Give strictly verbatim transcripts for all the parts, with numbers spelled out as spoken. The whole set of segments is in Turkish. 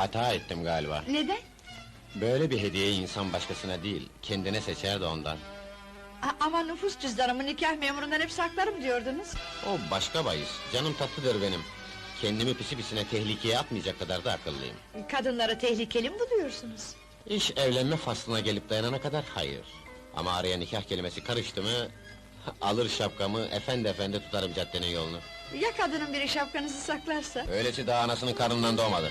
Hata ettim galiba. Neden? Böyle bir hediyeyi insan başkasına değil, kendine seçer de ondan. A- ama nüfus cüzdanımı nikah memurundan hep saklarım diyordunuz. O başka bahis, canım tatlıdır benim. Kendimi pisi pisine tehlikeye atmayacak kadar da akıllıyım. Kadınları tehlikeli mi buluyorsunuz? İş evlenme faslına gelip dayanana kadar hayır. Ama araya nikah kelimesi karıştı mı... ...alır şapkamı, efendi efendi tutarım caddenin yolunu. Ya kadının biri şapkanızı saklarsa? Öylesi daha anasının karnından doğmadı.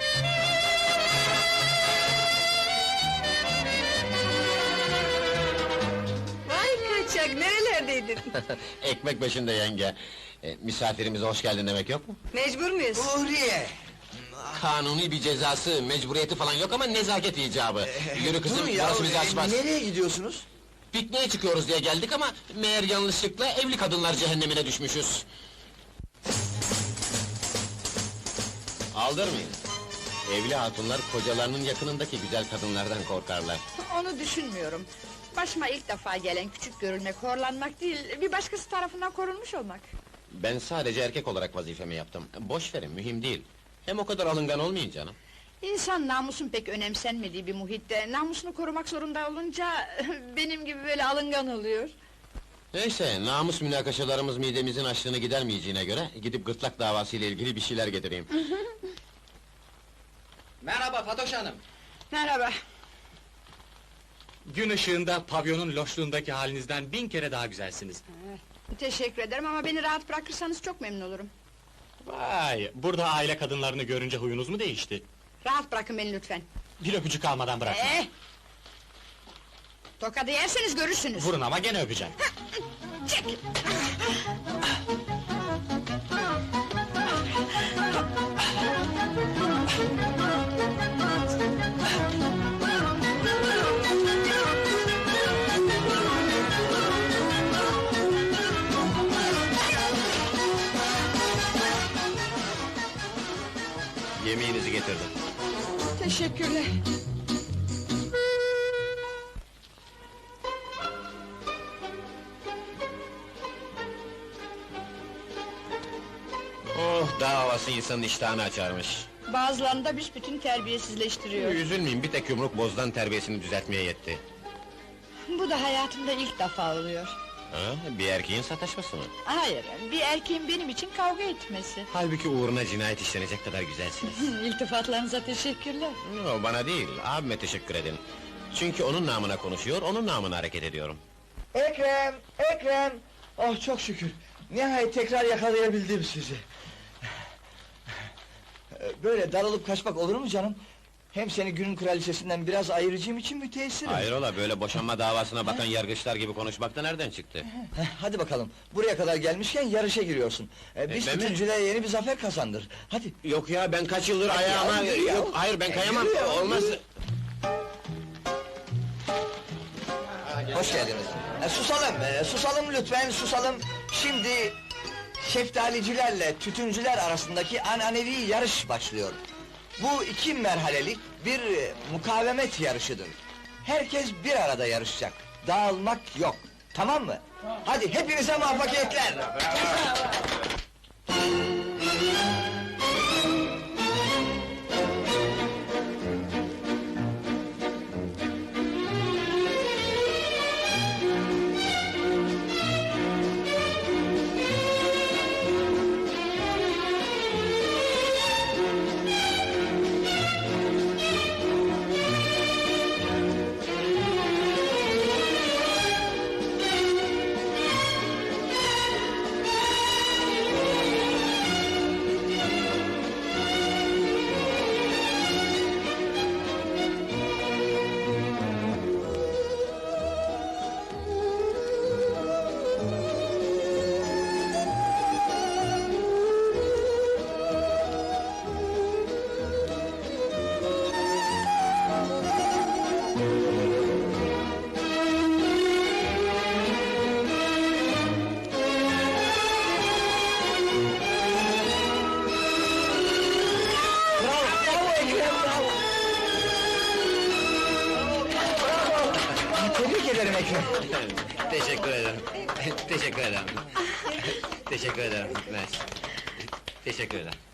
Vay kaçak, nerelerdeydin? Ekmek peşinde yenge. E, misafirimize hoş geldin demek yok mu? Mecbur muyuz? Uhriye! Kanuni bir cezası, mecburiyeti falan yok ama nezaket icabı. Yürü kızım, Dur ya, burası bizi açmaz. nereye gidiyorsunuz? Pikniğe çıkıyoruz diye geldik ama... ...meğer yanlışlıkla evli kadınlar cehennemine düşmüşüz. Aldırmayın. Evli hatunlar kocalarının yakınındaki güzel kadınlardan korkarlar. Onu düşünmüyorum. Başıma ilk defa gelen küçük görülmek, horlanmak değil... ...bir başkası tarafından korunmuş olmak. Ben sadece erkek olarak vazifemi yaptım. Boş verin, mühim değil. Hem o kadar alıngan olmayın canım. İnsan namusun pek önemsenmediği bir muhitte... ...namusunu korumak zorunda olunca... ...benim gibi böyle alıngan oluyor. Neyse, namus münakaşalarımız midemizin açlığını gidermeyeceğine göre... ...gidip gırtlak davası ile ilgili bir şeyler getireyim. Merhaba Fatoş Hanım. Merhaba. Gün ışığında pavyonun loşluğundaki halinizden bin kere daha güzelsiniz. Teşekkür ederim ama beni rahat bırakırsanız çok memnun olurum. Vay, burada aile kadınlarını görünce huyunuz mu değişti? Rahat bırakın beni lütfen. Bir öpücük almadan bırakın. Ee, tokadı yerseniz görürsünüz. Vurun ama gene öpeceğim. Çek! Yemeğinizi getirdim. Teşekkürler. Oh, dağ havası insanın iştahını açarmış. Bazılarını da büsbütün terbiyesizleştiriyor. Üzülmeyin, bir tek yumruk bozdan terbiyesini düzeltmeye yetti. Bu da hayatımda ilk defa oluyor. Ha, bir erkeğin sataşması mı? Hayır, bir erkeğin benim için kavga etmesi. Halbuki uğruna cinayet işlenecek kadar güzelsiniz. İltifatlarınıza teşekkürler. O bana değil, abime teşekkür edin. Çünkü onun namına konuşuyor, onun namına hareket ediyorum. Ekrem! Ekrem! Oh çok şükür! Nihayet tekrar yakalayabildim sizi. Böyle darılıp kaçmak olur mu canım? Hem seni günün kraliçesinden biraz ayıracağım için müteessirim. Hayrola, böyle boşanma davasına bakan yargıçlar gibi konuşmak da nereden çıktı? Heh, hadi bakalım, buraya kadar gelmişken yarışa giriyorsun. Ee, biz ben mi? bütüncülüğe yeni bir zafer kazandır. Hadi! Yok ya, ben kaç yıldır Hadi ayağıma... ya, yürü ya. Yok, hayır ben E, kayamam, yürü ya, olmaz! yürü. Hoş geldiniz. E, susalım, e, susalım lütfen, susalım. Şimdi... ...şeftalicilerle tütüncüler arasındaki ananevi yarış başlıyor. Bu iki merhalelik bir e, mukavemet yarışıdır. Herkes bir arada yarışacak. Dağılmak yok. Tamam mı? Hadi hepinize muvaffakiyetler! Tebrik ederim Ekrem. Teşekkür ederim. Teşekkür ederim. Teşekkür ederim. Mersi. Teşekkür ederim.